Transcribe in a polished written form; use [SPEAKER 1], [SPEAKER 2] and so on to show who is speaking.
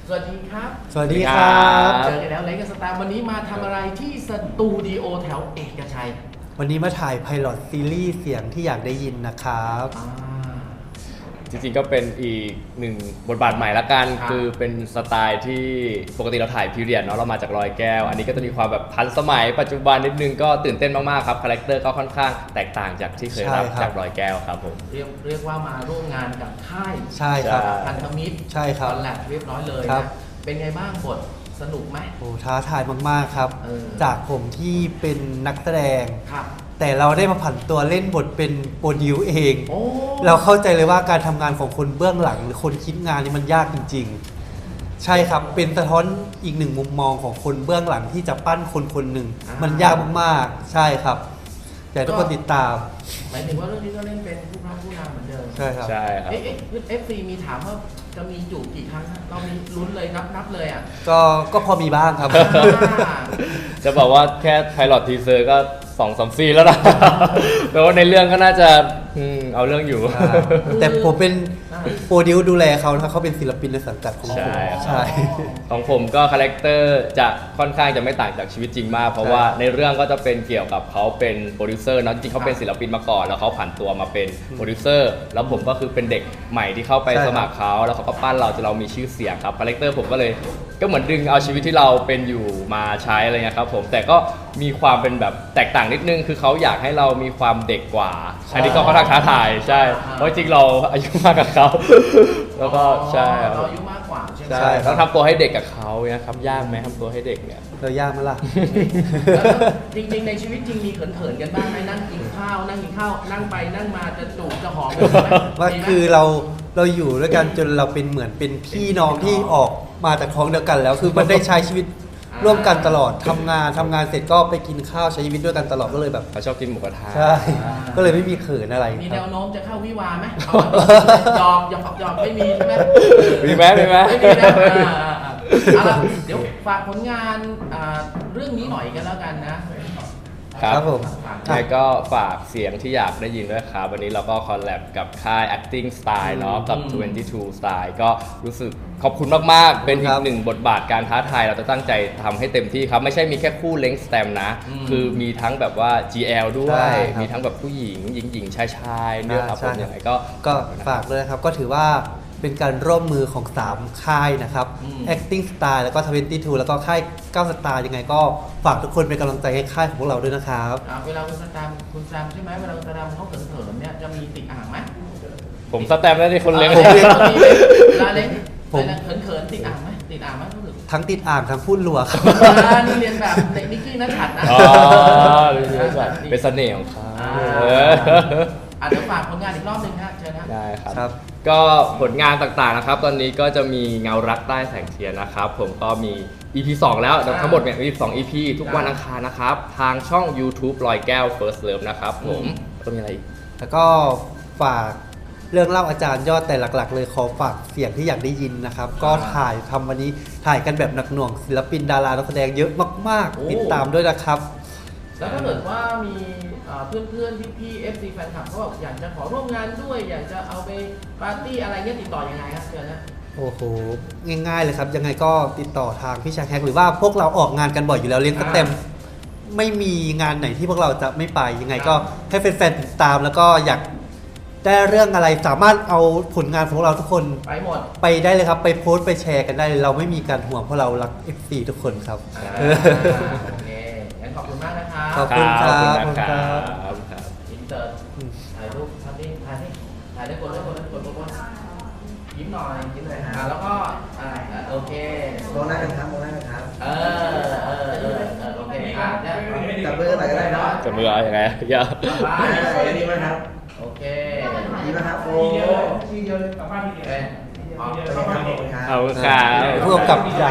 [SPEAKER 1] สวัสดีครับ
[SPEAKER 2] สวัสดีครับ
[SPEAKER 1] เจอกันแล้วเล็กกับสตาร์วันนี้มาทำอะไรที่สตูดิโอแถวเอกชัย
[SPEAKER 2] วันนี้มาถ่ายไพลอตซีรีส์เสียงที่อยากได้ยินนะครับ
[SPEAKER 3] จริงๆก็เป็นอีกหนึ่งบทบาทใหม่ละกัน
[SPEAKER 1] ครับ
[SPEAKER 3] คือเป็นสไตล์ที่ปกติเราถ่ายพีเรียดเนาะเรามาจากรอยแก้ว อันนี้ก็จะมีความแบบทันสมัยปัจจุบันนิดนึงก็ตื่นเต้นมากๆครับคาแรคเตอร์ก็ค่อนข้างแตกต่างจากที่เคยรับ
[SPEAKER 2] ใช่ครับ
[SPEAKER 3] จากรอยแก้วครับผม
[SPEAKER 1] เรียกว่ามาร่วมงานกับค่าย
[SPEAKER 2] ใช่ครับ
[SPEAKER 3] ใช่
[SPEAKER 1] พันธมิตร
[SPEAKER 2] ใช่ครับ
[SPEAKER 1] คอนแลบเรียบร้อยเลย
[SPEAKER 2] ครั
[SPEAKER 1] นะ
[SPEAKER 2] บ
[SPEAKER 1] เป็นไงบ้างบทสนุกไหม
[SPEAKER 2] โอ้ท้าทายมากๆครับ
[SPEAKER 1] เออ
[SPEAKER 2] จากผมที่เป็นนักแสดง
[SPEAKER 1] ครับ
[SPEAKER 2] แต่เราได้มาผันตัวเล่นบทเป็นโปรดิวเอง
[SPEAKER 1] โอ้
[SPEAKER 2] เราเข้าใจเลยว่าการทำงานของคนเบื้องหลังหรือคนคิดงานนี่มันยากจริงๆ ใช่ครับ เป็นสะท้อนอีกหนึ่งมุมมองของคนเบื้องหลังที่จะปั้นคนคนหนึ่ง มันยากมากๆ ใช่ครับแต่ทุกคนติดตาม
[SPEAKER 1] หมายถึงว่าเรื่องนี้ก็เล่นเป็นผู้พระผู้นำเหมือนเดิม
[SPEAKER 2] ใช่ครับ
[SPEAKER 3] ใช่ครับ
[SPEAKER 1] เอฟซีมีถามว่าจะมีจูบกี่ครั้งนะเรามีลุ้นเลยนับเลยอ่ะ
[SPEAKER 2] ก็พอมีบ้างครับ
[SPEAKER 3] จะบอกว่าแค่ไพลอตทีเซอร์ก็2-3 ซีนแล้วนะ แต่ว่าในเรื่องก็น่าจะเอาเรื่องอยู่
[SPEAKER 2] แต่ผมเป็นโปรดิวดูแลเขานะครับเขาเป็นศิลปินในสังกัดของผม
[SPEAKER 3] ใช่ครับ
[SPEAKER 2] ใช่
[SPEAKER 3] ของผมก็คาแรคเตอร์จะค่อนข้างจะไม่ต่างจากชีวิตจริงมาก เพราะว่าในเรื่องก็จะเป็นเกี่ยวกับเขาเป็นโปรดิวเซอร์เนอะจริงๆเขาเป็นศิลปินมาก่อนแล้วเขาผันตัวมาเป็นโปรดิวเซอร์แล้วผมก็คือเป็นเด็กใหม่ที่เข้าไป
[SPEAKER 2] ใช่ครับ
[SPEAKER 3] สมัครเขาแล้วเขาก็ปั้นเราจนเรามีชื่อเสียงครับคาแรคเตอร์ผมก็เลยก็เหมือนดึงเอาชีวิตที่เราเป็นอยู่มาใช้อะไรเงี้ยครับผมแต่ก็มีความเป็นแบบแตกต่างนิดนึงคือเขาอยากให้เรามีความเด็กกว่าอันนี้ก็ค่อนข้างท้าทายใช่เพราะจริงๆเราอายุมากกว่าเขาแล้วก็ใช่ครับ
[SPEAKER 1] เราอายุมากกว่าใช่ไหม
[SPEAKER 3] ใช่ต้องทำตัวให้เด็กกับเขาเนี่ยครับยากไหมทำตัวให้เด็กเนี่ย
[SPEAKER 2] เรายากไหมล่ะ
[SPEAKER 1] แล้วจริงๆในชีวิตจริงมีเขินๆกันบ้างไหมนั่งกินข้าวนั่งไปนั่งมาจะจูบจะหอมกันไหม
[SPEAKER 2] ว่า
[SPEAKER 1] มีไหม
[SPEAKER 2] คือเราอยู่ด้วยกันจนเราเป็นเหมือนเป็นพี่น้องที่ออกมาจากท้องเดียวกันแล้ว คือมันได้ใช้ชีวิตร่วมกันตลอดทำงานเสร็จก็ไปกินข้าวใช้ชีวิตด้วยกันตลอดก็เลยแบบ
[SPEAKER 3] เขาชอบกินหมูกระทะ
[SPEAKER 2] ใช่ก็เลยไม่มีเขินอะไร
[SPEAKER 1] มี
[SPEAKER 2] ค
[SPEAKER 1] แน
[SPEAKER 2] รับ
[SPEAKER 1] วโน้มจะเข้าวิวาห์ไหมเอาหยอกไม่มีใช่ไหม
[SPEAKER 3] มีไหมมีไหม
[SPEAKER 1] ไม่มีนะเอาล่ะเดี๋ยวฝากผลงานเรื่องนี้หน่อยกันแล้วกันนะครับ
[SPEAKER 2] ครับผม
[SPEAKER 3] แล้วก็ฝากเสียงที่อยากได้ยินด้วยครับ วันนี้เราก็คอลแลบกับค่าย acting style เนาะกับ 22 style ก็รู้สึกขอบคุณมาก ๆ เป็นอีกหนึ่งบทบาทการท้าทายเราจะตั้งใจทำให้เต็มที่ครับ ไม่ใช่มีแค่คู่เล้งสแตมนะ คือมีทั้งแบบว่า GL ด้ว
[SPEAKER 2] ใช่
[SPEAKER 3] ย
[SPEAKER 2] ครับ
[SPEAKER 3] มีทั้งแบบผู้หญิงหญิงชายเนี่ยครับผมยังไงก็
[SPEAKER 2] ก็ฝากด้วยนะครับ ก็ถือว่าเป็นการร่วมมือของ 3 ค่ายนะครับ acting style แล้วก็ 22 แล้วก็ค่าย9 star ยังไงก็ฝากทุกคนเป็นกำลังใจให้ค่ายของพวกเราด้วยนะครับ
[SPEAKER 1] เวลาคุณแซมใช่ไหมเวลาคุณแซมเขาเขินๆเนี่ยจะมีติดอ่างไหม
[SPEAKER 3] ผมสแตมป์ได้ที่คนเล้ง
[SPEAKER 1] เวลาเล้ง
[SPEAKER 2] ผม
[SPEAKER 1] เขินๆติดอ่างไหมติดอ่างไหมรู้สึก
[SPEAKER 2] ทั้งติดอ่างทั้งพูดรัวครับ
[SPEAKER 1] นี่เรียนแบบในนิกกี้นัทฉัดนะ
[SPEAKER 3] อ๋อเป็นเสน่ห์ของเขา
[SPEAKER 1] เดี๋ยวฝากผลงานอีกรอบหนึ่งฮะเชิญฮะ
[SPEAKER 3] ได้ครับ
[SPEAKER 2] ครับ
[SPEAKER 3] ก็ผลงานต่างๆนะครับ ตอนนี้ก็จะมีเงารักใต้แสงเทียนนะครับ ผมก็มี EP 2 แล้วทั้งหมดเนี่ยมี2 EP ทุกวันอังคารนะครับ ทางช่อง YouTube ลอยแก้ว First Love นะครับผมก็มีอะไรอีก
[SPEAKER 2] แล้วก็ฝากเรื่องเล่าอาจารย์ยอดแต่หลักๆ เลยขอฝากเสียงที่อยากได้ยินนะครับ ก็ถ่ายทำวันนี้ถ่ายกันแบบหนักหน่วงศิลปินดารานักแสดงเยอะมาก
[SPEAKER 1] โอ้
[SPEAKER 2] ๆ ติดตามด้วยนะครับ
[SPEAKER 1] แล้วถ้าเกิดว่ามีเพื่อนๆพี่ๆ FC แฟนคลับเขาบอกอยากจะขอร่วมงานด้วย อยากจะเอาไปปาร์ตี้อะไรเงี้ยติดต่อยังไงครับเชิญนะ
[SPEAKER 2] โอ้โห ง่ายๆเลยครับ ยังไงก็ติดต่อทางพี่ชายแฮกหรือว่าพวกเราออกงานกันบ่อยอยู่แล้วเลี้ยงสเต็มไม่มีงานไหนที่พวกเราจะไม่ไปยังไงก็ให้แฟนๆติดตาม แล้วก็อยากได้เรื่องอะไรสามารถเอาผลงานของเราทุกคน
[SPEAKER 1] ไปหมด
[SPEAKER 2] ไปได้เลยครับ ไปโพสต์ไปแชร์กันได้เลยเราไม่มีการห่วงเพราะเรารัก FC ทุกคนครับ
[SPEAKER 1] โอเคงั้นขอบคุณมากนะครับ
[SPEAKER 2] ขอบคุณครับ
[SPEAKER 3] ขอบ
[SPEAKER 2] ขอบ
[SPEAKER 3] คุ
[SPEAKER 2] คุณ ณ
[SPEAKER 3] ค
[SPEAKER 2] ค
[SPEAKER 3] รั
[SPEAKER 2] รับ
[SPEAKER 3] บ
[SPEAKER 1] อินเตอร์ถ่ายรูปทำนี่ถ่ายได้กดยิ้มหน่อยแล้วก็โอเค
[SPEAKER 4] มองหน้ากันครับมองหน้ากันครับ
[SPEAKER 1] โอเคเนี่ย
[SPEAKER 4] จับมือกันหน่อยก็ได้นะ
[SPEAKER 3] จะมือเอาอย่างไงอย่า
[SPEAKER 4] ดีไหมครับ
[SPEAKER 1] โอเค
[SPEAKER 4] ดีไหมครับโอ้
[SPEAKER 1] ทีเดียวเลยกลับบ้านทีเดียว
[SPEAKER 4] ขอบคุณครับ
[SPEAKER 3] เอาครับ
[SPEAKER 2] ผู้กำกับ